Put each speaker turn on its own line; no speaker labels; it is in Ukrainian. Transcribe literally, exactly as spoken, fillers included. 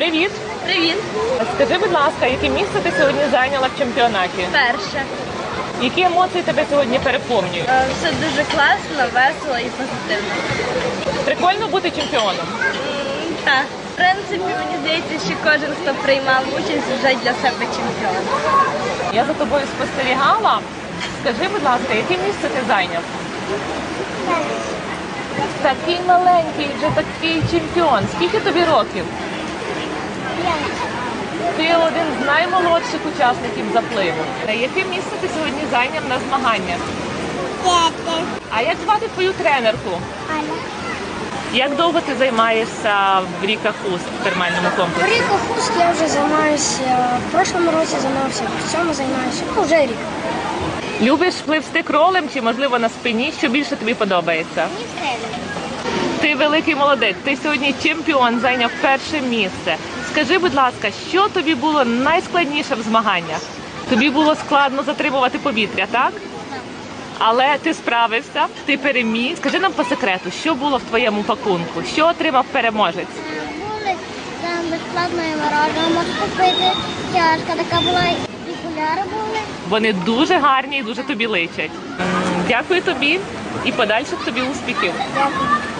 Привіт!
Привіт!
Скажи, будь ласка, яке місце ти сьогодні зайняла в чемпіонаті?
Перше.
Які емоції тебе сьогодні переповнюють?
Е, Все дуже класно, весело і позитивно.
Прикольно бути чемпіоном?
М, Так. В принципі, мені здається, що кожен, хто приймав участь, вже для себе чемпіон.
Я за тобою спостерігала. Скажи, будь ласка, яке місце ти зайняв? Такий маленький, вже такий чемпіон. Скільки тобі років? Ти один з наймолодших учасників запливу. Яке місце ти сьогодні зайняв на змаганнях? А як звати твою тренерку? Як довго ти займаєшся в Ріка Хуст в термальному комплексі?
Ріка Хуст я вже займаюся, в прошлому році займався, в цьому займаюся, ну вже рік.
Любиш пливсти кролем чи, можливо, на спині? Що більше тобі подобається? Ти великий молодець, ти сьогодні чемпіон, зайняв перше місце. Скажи, будь ласка, що тобі було найскладніше в змаганнях? Тобі було складно затримувати повітря, так? Але ти справився, ти переміг. Скажи нам по секрету, що було в твоєму пакунку? Що отримав переможець?
Були там безплатно і мороженое можна купити, чашка така була, і окуляри були.
Вони дуже гарні і дуже тобі личать. М, Дякую тобі і подальших тобі успіхів.
Дякую.